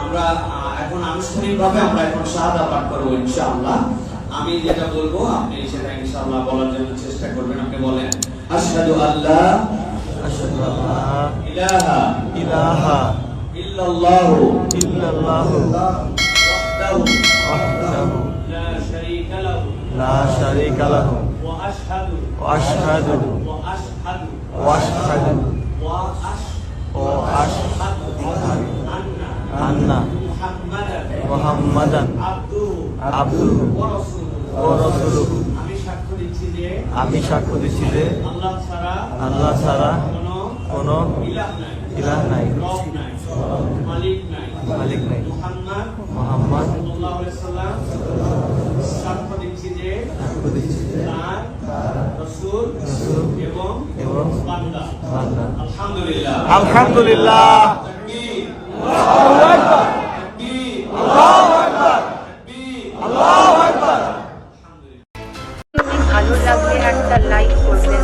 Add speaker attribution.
Speaker 1: আমরা এখন আনুষ্ঠানিকভাবে আমরা এখন শাহাদা পাঠ করব ইনশাআল্লাহ। আমি যেটা বলবো আপনি সেটা ইনশাআল্লাহ বলার জন্য চেষ্টা করবেন। আপনি বলেন আশহাদু আল্লা ইলাহা ইল্লাল্লাহু ওয়াহদাহু লা শারীকা লাহু ওয়া আশহাদু আন্না মুহাম্মাদান আবদুহু ওয়া রাসূলুহু। আমি সাক্ষ্য দিচ্ছি যে আল্লাহ ছাড়া কোনো ইলাহ নাই, মালিক নাই। মুহাম্মদ সাল্লাল্লাহু আলাইহি সাল্লাম সাক্ষ্য দিচ্ছি যে তার রাসূল এবং বান্দা। আলহামদুলিল্লাহ, আলহামদুলিল্লাহ। তাকবীর, আল্লাহু আকবার, তাকবীর, আল্লাহু আকবার, তাকবীর, আল্লাহু আকবার।
Speaker 2: ভালো লাগলে একটা লাইক করবেন।